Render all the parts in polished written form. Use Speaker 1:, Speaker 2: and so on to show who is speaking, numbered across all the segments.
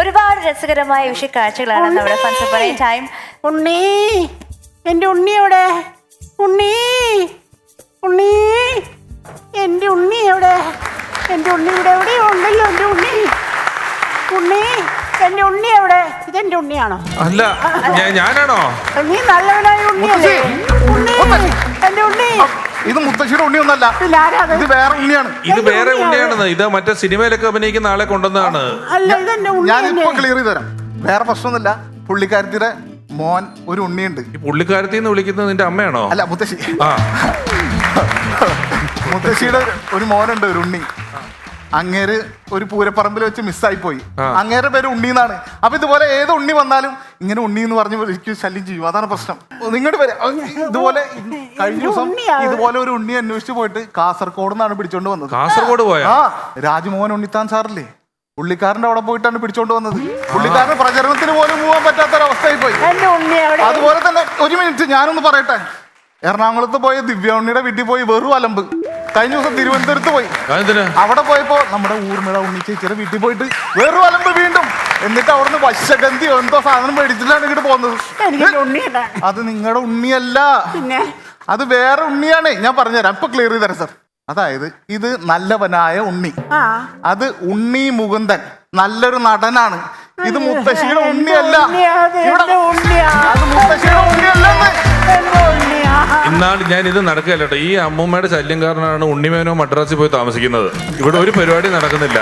Speaker 1: ഒരുപാട് രസകരമായ വിഷയ കാഴ്ചകളാണ് നമ്മുടെ ഫൺസ് പറയ ടൈം.
Speaker 2: ഉണ്ണി, എന്റെ ഉണ്ണി എവിടെ? ഉണ്ണി, ഉണ്ണി, എന്റെ ഉണ്ണി എവിടെ? എന്റെ ഉണ്ണി ഇവിടെ എവിടെയോ ഉണ്ടല്ലോ. എന്റെ ഉണ്ണി, ഉണ്ണി, എന്റെ ഉണ്ണി എവിടെ? ഇതെന്റെ ഉണ്ണിയാണോ?
Speaker 3: അല്ല, ഞാനാണോ?
Speaker 2: നീ നല്ലവനായ ഉണ്ണിയല്ലേ? ഉണ്ണി, എന്റെ ഉണ്ണി.
Speaker 4: ഇത് മുത്തശ്ശിയുടെ ഉണ്ണിയൊന്നല്ല, ഇത് വേറെ ഉണ്ണിയാണ്.
Speaker 3: ഇത് വേറെ ഉണ്ണിയാണെന്ന്. ഇത് മറ്റേ സിനിമയിലൊക്കെ അഭിനയിക്കുന്ന ആളെ കൊണ്ടുവന്നതാണ്.
Speaker 4: ഞാനിപ്പോ ക്ലിയർ ചെയ്ത് തരാം. വേറെ പ്രശ്നമൊന്നുമില്ല. പുള്ളിക്കാരത്തിയുടെ മോൻ ഒരു ഉണ്ണിയുണ്ട്.
Speaker 3: ഈ പുള്ളിക്കാരത്തി എന്ന് വിളിക്കുന്നത് നിന്റെ അമ്മയാണോ?
Speaker 4: അല്ല, മുത്തശ്ശി.
Speaker 3: ആ,
Speaker 4: മുത്തശ്ശിയുടെ ഒരു മോനുണ്ട്, ഒരു ഉണ്ണി. അങ്ങേര് ഒരു പൂരപ്പറമ്പിൽ വെച്ച് മിസ്സായി പോയി. അങ്ങേരുടെ പേര് ഉണ്ണി എന്നാണ്. അപ്പൊ ഇതുപോലെ ഏത് ഉണ്ണി വന്നാലും ഇങ്ങനെ ഉണ്ണി എന്ന് പറഞ്ഞ് എനിക്ക് ശല്യം ചെയ്യും. അതാണ് പ്രശ്നം. നിങ്ങളുടെ പേര് ഇതുപോലെ കഴിഞ്ഞ ദിവസം ഇതുപോലെ ഒരു ഉണ്ണി അന്വേഷിച്ച് പോയിട്ട് കാസർഗോഡ് നിന്നാണ് പിടിച്ചോണ്ട് വന്നത്.
Speaker 3: കാസർഗോഡ് പോയാ?
Speaker 4: ആ, രാജ്മോഹൻ ഉണ്ണിത്താൻ സാറില്ലേ, പുള്ളിക്കാരന്റെ അവിടെ പോയിട്ടാണ് പിടിച്ചോണ്ട് വന്നത്. പുള്ളിക്കാരന് പ്രചരണത്തിന് പോലും പോകാൻ പറ്റാത്തൊരവസ്ഥയായി പോയി. അതുപോലെ തന്നെ ഒരു മിനിറ്റ് ഞാനൊന്ന് പറയട്ടെ. എറണാകുളത്ത് പോയ ദിവ്യ ഉണ്ണിയുടെ വീട്ടിൽ പോയി വെറും അലമ്പ്. കഴിഞ്ഞ ദിവസം തിരുവനന്തപുരത്ത് പോയി. അവിടെ പോയപ്പോ നമ്മുടെ ഊർമിള ഉണ്ണി ചേച്ചിയുടെ വീട്ടിൽ പോയിട്ട് വെറും അലമ്പ് വീണ്ടും. എന്നിട്ട് അവിടുന്ന് വശഗന്ധി എന്തോ സാധനം മേടിച്ചിട്ടാണ് ഇങ്ങോട്ട് പോകുന്നത്. അത് നിങ്ങളുടെ ഉണ്ണിയല്ല, അത് വേറെ ഉണ്ണിയാണ്. ഞാൻ പറഞ്ഞുതരാം, ഇപ്പൊ ക്ലിയർ ചെയ്ത് തരാം സാർ. അതായത് ഇത് നല്ലവനായ ഉണ്ണി, അത് ഉണ്ണി മുകുന്ദൻ, നല്ലൊരു നടനാണ്. ഇത് മുത്തശ്ശിയുടെ ഉണ്ണിയല്ല, അത് മുത്തശ്ശിയുടെ ഉണ്ണിയല്ലെന്ന്.
Speaker 3: ഇന്നാൾ ഞാൻ ഇത് നടക്കുകയല്ലോ. ഈ അമ്മൂമ്മയുടെ ശല്യം കാരണമാണ് ഉണ്ണിമേനോ മദ്രാസിൽ പോയി താമസിക്കുന്നത്. ഇവിടെ ഒരു പരിപാടി നടക്കുന്നില്ല.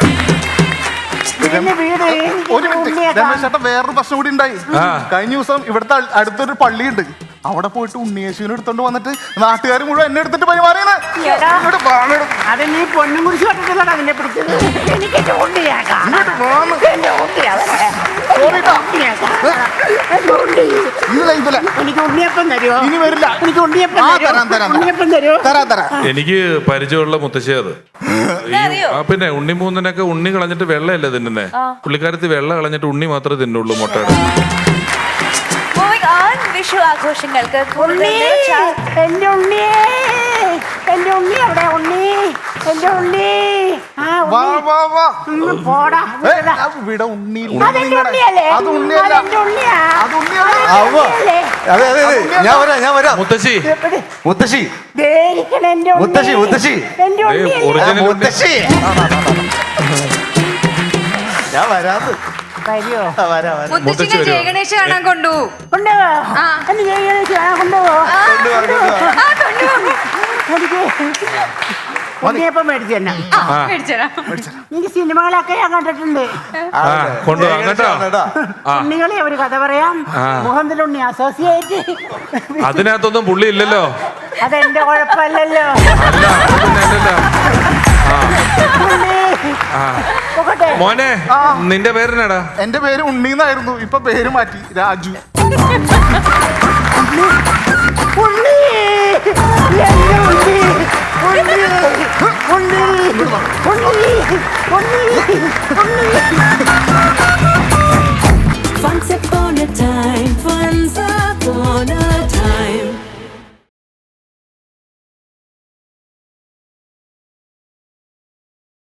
Speaker 4: ഒരു മിനിറ്റ് രമേശ് ചേട്ടാ, വേറൊരു പ്രശ്നം കൂടി ഉണ്ടായി. കഴിഞ്ഞ ദിവസം ഇവിടുത്തെ അടുത്തൊരു പള്ളിയുണ്ട്, അവിടെ പോയിട്ട് ഉണ്ണിയേശുവിനെ എടുത്തോണ്ട് വന്നിട്ട് നാട്ടുകാർ മുഴുവൻ എന്നെ എടുത്തിട്ട് പരിമാറിയാണ്.
Speaker 2: അത് നീ പൊന്നും കുറിച്ച് കണ്ടിട്ടില്ല അതിനെ പിടിച്ചത്. എനിക്ക് ഉണ്ണിയപ്പം തരുമോ?
Speaker 4: ഇനി വരില്ല.
Speaker 2: എനിക്ക് ഉണ്ണിയപ്പം തരുമോ?
Speaker 3: എനിക്ക് പരിചയമുള്ള മുത്തശ്ശി അത്. പിന്നെ ഉണ്ണിമൂന്നനൊക്കെ ഉണ്ണി കളഞ്ഞിട്ട് വെള്ളയല്ലേ തിന്നുന്നേ. പുള്ളിക്കാരത്തി വെള്ള കളഞ്ഞിട്ട് ഉണ്ണി മാത്രമേ തിന്നുള്ളൂ മുട്ടയുടെ.
Speaker 1: വിഷു ആഘോഷങ്ങൾക്ക്
Speaker 2: എന്റെ ഉണ്ണിയേ, എന്റെ ഉണ്ണി അവിടെ, ഉണ്ണി, എന്റെ ഉണ്ണി. പോടാ,
Speaker 4: ഇവിടെ ഉണ്ണി.
Speaker 5: ഞാൻ വരാം. മുത്തശ്ശി, മുത്തശ്ശി, മുത്തശ്ശി, മുത്തശ്ശി, മുത്തശ്ശി, ഞാൻ വരാന്ന്.
Speaker 6: മുത്തശ്ശിനെ ജയഗണേശ കാണാൻ കൊണ്ടുപോകും.
Speaker 2: ഉണ്ണിയപ്പം മേടിച്ചു തന്നെ. എനിക്ക് സിനിമകളൊക്കെ ഞാൻ കണ്ടിട്ടുണ്ട്. ഉണ്ണികളെ ഒരു കഥ പറയാം. മുഹമ്മദ് അസോസിയേറ്റ്.
Speaker 3: അതിനകത്തൊന്നും പുള്ളി ഇല്ലല്ലോ.
Speaker 2: അതെന്റെ കുഴപ്പമല്ലല്ലോ.
Speaker 3: മോനെ, നിന്റെ പേരെന്നാടാ?
Speaker 4: എന്റെ പേര് ഉണ്ണീന്നായിരുന്നു, ഇപ്പൊ പേര് മാറ്റി, രാജു.
Speaker 2: ഉണ്ണി